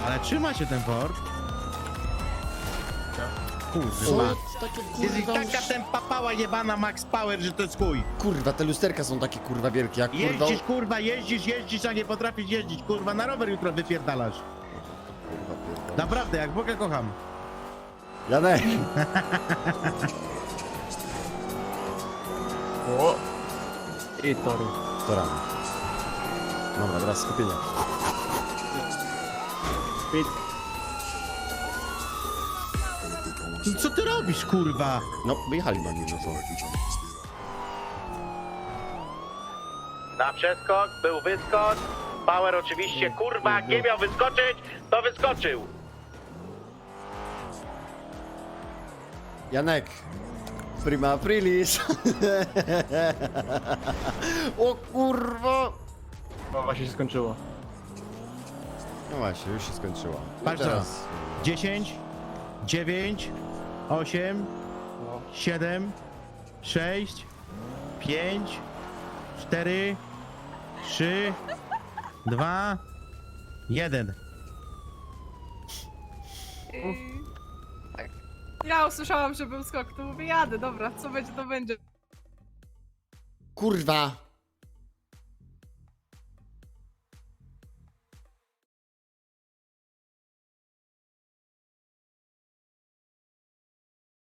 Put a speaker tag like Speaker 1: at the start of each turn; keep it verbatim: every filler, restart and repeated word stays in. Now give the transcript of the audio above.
Speaker 1: Ale trzyma się ten Ford. Kurwa.
Speaker 2: O, takie
Speaker 1: Jest i
Speaker 2: kurwa...
Speaker 1: taka tempa pała jebana Max Power, że to jest chuj.
Speaker 2: Kurwa, te lusterka są takie kurwa wielkie, jak kurwa...
Speaker 1: Jeździsz, kurwa, jeździsz, jeździsz, a nie potrafisz jeździć, kurwa, na rower jutro wypierdalasz.
Speaker 2: Kurwa, pierdolę.
Speaker 1: Naprawdę, jak Boga kocham.
Speaker 2: Janek!
Speaker 3: O! I tory.
Speaker 2: To rano. Dobra, teraz skupienie.
Speaker 3: Speed.
Speaker 1: No co ty robisz, kurwa?
Speaker 2: No, wyjechali na nim, no co?
Speaker 1: Na przeskok, był wyskok. Power oczywiście, kurwa, jak nie miał wyskoczyć, to wyskoczył.
Speaker 2: Janek! Prima aprilis! O kurwa!
Speaker 3: O, właśnie się skończyło.
Speaker 2: No właśnie, już się skończyło. I
Speaker 1: Patrz teraz. dziesięć, dziewięć, osiem,
Speaker 3: No.
Speaker 1: siedem, sześć, pięć, cztery, trzy, dwa, jeden.
Speaker 4: I... Tak. Ja usłyszałam, że był skok, to mówię, jadę, dobra, co będzie, to będzie.
Speaker 2: Kurwa!